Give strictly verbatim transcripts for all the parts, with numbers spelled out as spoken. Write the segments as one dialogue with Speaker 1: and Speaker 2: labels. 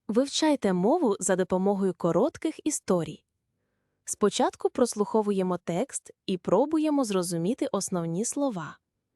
Speaker 1: Вивчайте мову за допомогою коротких історій. Спочатку прослуховуємо текст і пробуємо зрозуміти основні слова.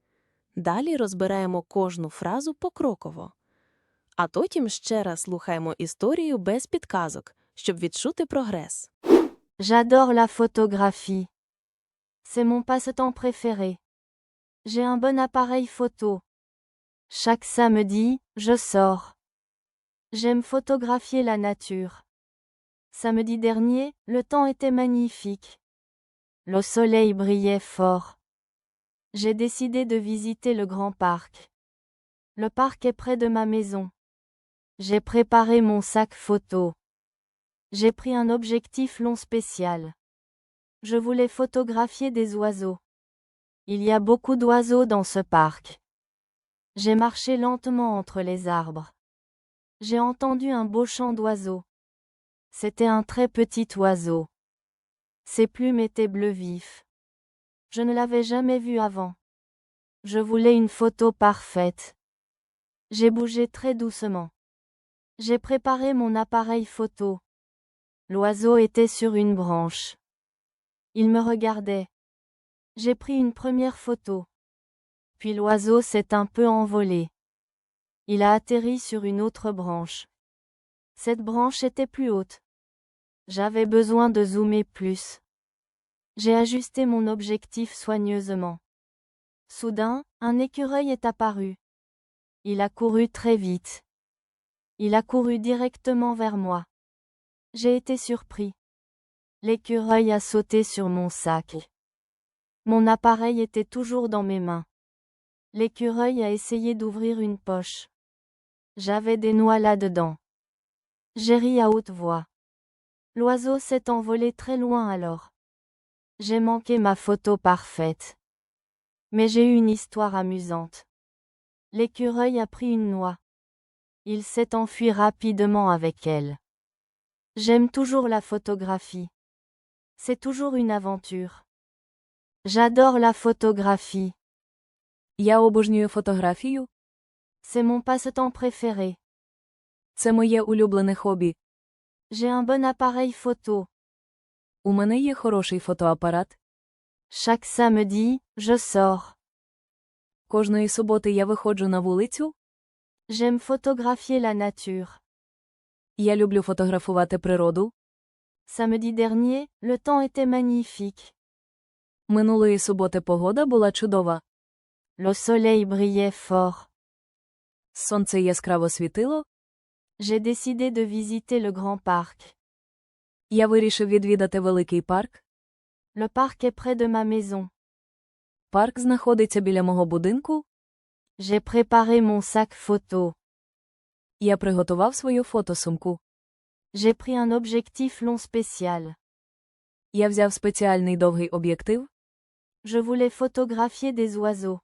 Speaker 1: Далі розбираємо кожну фразу покроково. А потім ще раз слухаємо історію без підказок, щоб відчути прогрес.
Speaker 2: J'adore la photographie. C'est mon passe-temps préféré. J'ai un bon appareil photo. Chaque samedi, je sors. J'aime photographier la nature. Samedi dernier, le temps était magnifique. Le soleil brillait fort. J'ai décidé de visiter le grand parc. Le parc est près de ma maison. J'ai préparé mon sac photo. J'ai pris un objectif long spécial. Je voulais photographier des oiseaux. Il y a beaucoup d'oiseaux dans ce parc. J'ai marché lentement entre les arbres. J'ai entendu un beau chant d'oiseaux. C'était un très petit oiseau. Ses plumes étaient bleu vif. Je ne l'avais jamais vu avant. Je voulais une photo parfaite. J'ai bougé très doucement. J'ai préparé mon appareil photo. L'oiseau était sur une branche. Il me regardait. J'ai pris une première photo. Puis l'oiseau s'est un peu envolé. Il a atterri sur une autre branche. Cette branche était plus haute. J'avais besoin de zoomer plus. J'ai ajusté mon objectif soigneusement. Soudain, un écureuil est apparu. Il a couru très vite. Il a couru directement vers moi. J'ai été surpris. L'écureuil a sauté sur mon sac. Mon appareil était toujours dans mes mains. L'écureuil a essayé d'ouvrir une poche. J'avais des noix là-dedans. J'ai ri à haute voix. L'oiseau s'est envolé très loin alors. J'ai manqué ma photo parfaite. Mais j'ai eu une histoire amusante. L'écureuil a pris une noix. Il s'est enfui rapidement avec elle. J'aime toujours la photographie. C'est toujours une aventure. J'adore la photographie.
Speaker 1: Я обожнюю фотографію.
Speaker 2: C'est mon passe-temps préféré.
Speaker 1: Це моє улюблене хобі.
Speaker 2: J'ai un bon appareil photo.
Speaker 1: У мене є хороший фотоапарат.
Speaker 2: Chaque samedi, je sors.
Speaker 1: Кожної суботи я виходжу на вулицю.
Speaker 2: J'aime photographier la nature.
Speaker 1: Я люблю фотографувати природу.
Speaker 2: Samedi dernier, le temps était magnifique.
Speaker 1: Минулої суботи погода була чудова.
Speaker 2: Le soleil brillait fort.
Speaker 1: Сонце яскраво світило.
Speaker 2: J'ai décidé de visiter le grand parc.
Speaker 1: Я вирішив відвідати великий парк.
Speaker 2: Le parc est près de ma maison.
Speaker 1: Парк знаходиться біля мого будинку.
Speaker 2: J'ai préparé mon sac photo.
Speaker 1: Я приготував свою фотосумку.
Speaker 2: J'ai pris un objectif long spécial.
Speaker 1: Я взяв спеціальний довгий об'єктив.
Speaker 2: Je voulais photographier des oiseaux.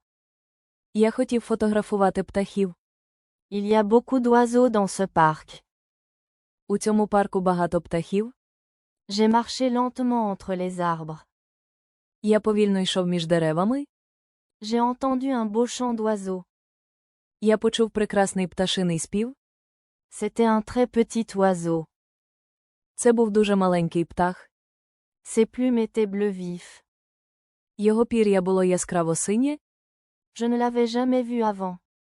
Speaker 1: Я хотів фотографувати птахів.
Speaker 2: Il y a beaucoup d'oiseaux dans ce parc.
Speaker 1: У цьому парку багато птахів.
Speaker 2: J'ai marché lentement entre les arbres.
Speaker 1: Я повільно йшов між деревами.
Speaker 2: J'ai entendu un beau chant d'oiseaux.
Speaker 1: Я почув прекрасний пташиний спів.
Speaker 2: C'était un très petit oiseau.
Speaker 1: Це був дуже маленький птах.
Speaker 2: Ses plumes étaient bleu vif.
Speaker 1: Його пір'я було яскраво синє.
Speaker 2: Je ne l'avais jamais vu avant.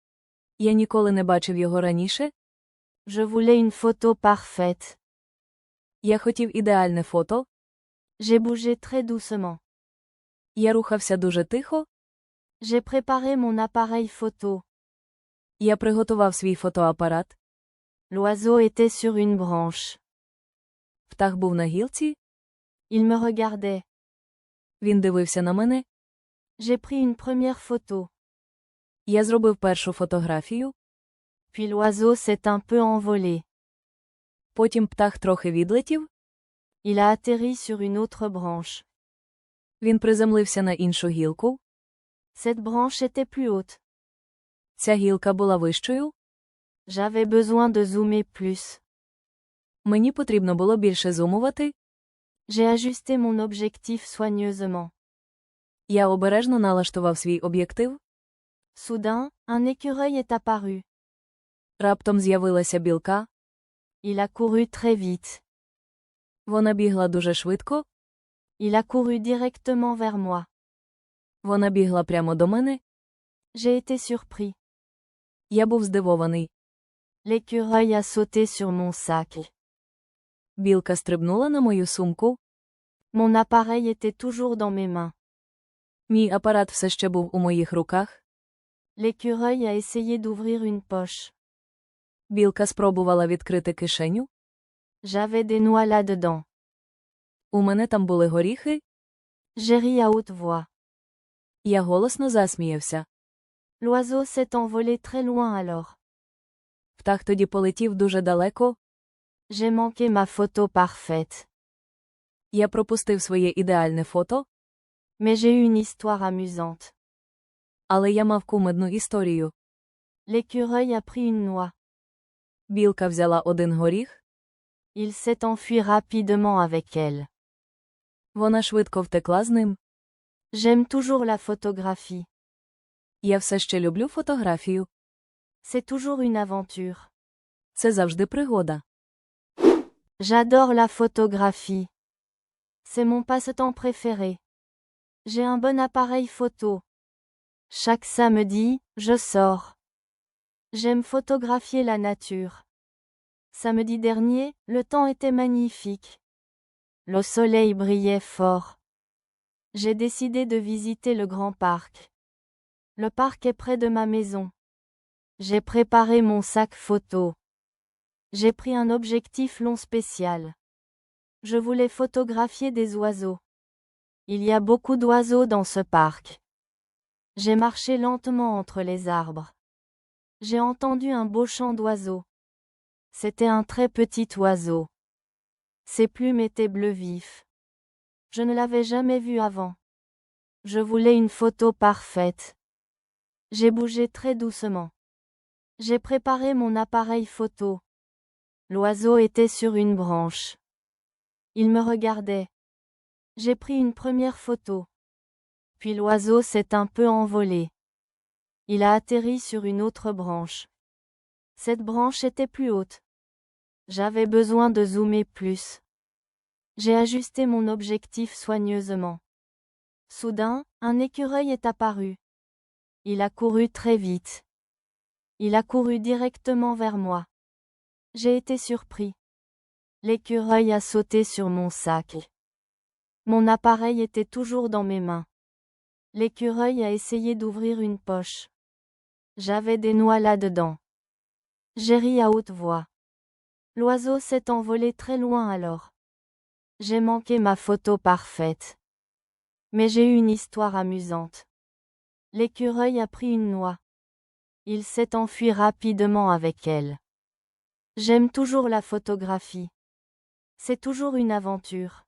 Speaker 1: Я ніколи не бачив його раніше.
Speaker 2: Je voulais une photo parfaite.
Speaker 1: Я хотів ідеальне фото.
Speaker 2: J'ai bougé très doucement.
Speaker 1: Я рухався дуже тихо.
Speaker 2: J'ai préparé mon appareil photo.
Speaker 1: Я приготував свій фотоапарат.
Speaker 2: L'oiseau était sur une branche.
Speaker 1: Птах був на гілці.
Speaker 2: Il me regardait.
Speaker 1: Він дивився на мене.
Speaker 2: J'ai pris une première photo.
Speaker 1: Я зробив першу фотографію.
Speaker 2: Puis l'oiseau s'est un peu envolé.
Speaker 1: Потім птах трохи відлетів.
Speaker 2: Il a atterri sur une autre branche.
Speaker 1: Він приземлився на іншу гілку.
Speaker 2: Cette branche était plus haute.
Speaker 1: Ця гілка була вищою.
Speaker 2: J'avais besoin de zoomer plus.
Speaker 1: Мені потрібно було більше зумувати.
Speaker 2: J'ai ajusté mon objectif soigneusement.
Speaker 1: Я обережно налаштував свій об'єктив.
Speaker 2: Soudain, un écureuil est apparu.
Speaker 1: Раптом з'явилася білка.
Speaker 2: Il a couru très vite.
Speaker 3: Вона бігла дуже швидко.
Speaker 2: Il a couru directement vers moi.
Speaker 3: Вона бігла прямо до мене.
Speaker 2: J'ai été surpris.
Speaker 3: Я був здивований.
Speaker 2: L'écureuil a sauté sur mon sac.
Speaker 3: Білка стрибнула на мою сумку.
Speaker 2: Mon appareil était toujours dans mes mains.
Speaker 3: Мій апарат все ще був у моїх руках.
Speaker 2: L'écureuil a essayé d'ouvrir une poche.
Speaker 3: Білка спробувала відкрити кишеню.
Speaker 2: J'avais des noix là-dedans.
Speaker 3: У мене там були горіхи.
Speaker 2: J'ai ri à haute voix.
Speaker 3: Я голосно засміявся.
Speaker 2: L'oiseau s'est envolé très loin alors.
Speaker 3: Птах тоді полетів дуже далеко.
Speaker 2: J'ai manqué ma photo parfaite.
Speaker 3: Я пропустив своє ідеальне фото,
Speaker 2: Mais j'ai eu une histoire amusante.
Speaker 3: але я мав кумедну історію.
Speaker 2: L'écureuil a pris une noix.
Speaker 3: Білка взяла один горіх.
Speaker 2: Il s'est enfui rapidement avec elle.
Speaker 3: Вона швидко втекла з ним.
Speaker 2: J'aime toujours la photographie.
Speaker 3: Я все ще люблю фотографію.
Speaker 2: C'est toujours une aventure.
Speaker 3: Це завжди пригода.
Speaker 2: J'adore la photographie. C'est mon passe-temps préféré. J'ai un bon appareil photo. Chaque samedi, je sors. J'aime photographier la nature. Samedi dernier, le temps était magnifique. Le soleil brillait fort. J'ai décidé de visiter le grand parc. Le parc est près de ma maison. J'ai préparé mon sac photo. J'ai pris un objectif long spécial. Je voulais photographier des oiseaux. Il y a beaucoup d'oiseaux dans ce parc. J'ai marché lentement entre les arbres. J'ai entendu un beau chant d'oiseaux. C'était un très petit oiseau. Ses plumes étaient bleu vif. Je ne l'avais jamais vu avant. Je voulais une photo parfaite. J'ai bougé très doucement. J'ai préparé mon appareil photo. L'oiseau était sur une branche. Il me regardait. J'ai pris une première photo. Puis l'oiseau s'est un peu envolé. Il a atterri sur une autre branche. Cette branche était plus haute. J'avais besoin de zoomer plus. J'ai ajusté mon objectif soigneusement. Soudain, un écureuil est apparu. Il a couru très vite. Il a couru directement vers moi. J'ai été surpris. L'écureuil a sauté sur mon sac. Mon appareil était toujours dans mes mains. L'écureuil a essayé d'ouvrir une poche. J'avais des noix là-dedans. J'ai ri à haute voix. L'oiseau s'est envolé très loin alors. J'ai manqué ma photo parfaite. Mais j'ai eu une histoire amusante. L'écureuil a pris une noix. Il s'est enfui rapidement avec elle. J'aime toujours la photographie. C'est toujours une aventure.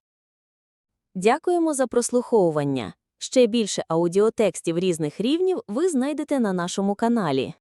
Speaker 1: Дякуємо за прослуховування. Ще більше аудіотекстів різних рівнів ви знайдете на нашому каналі.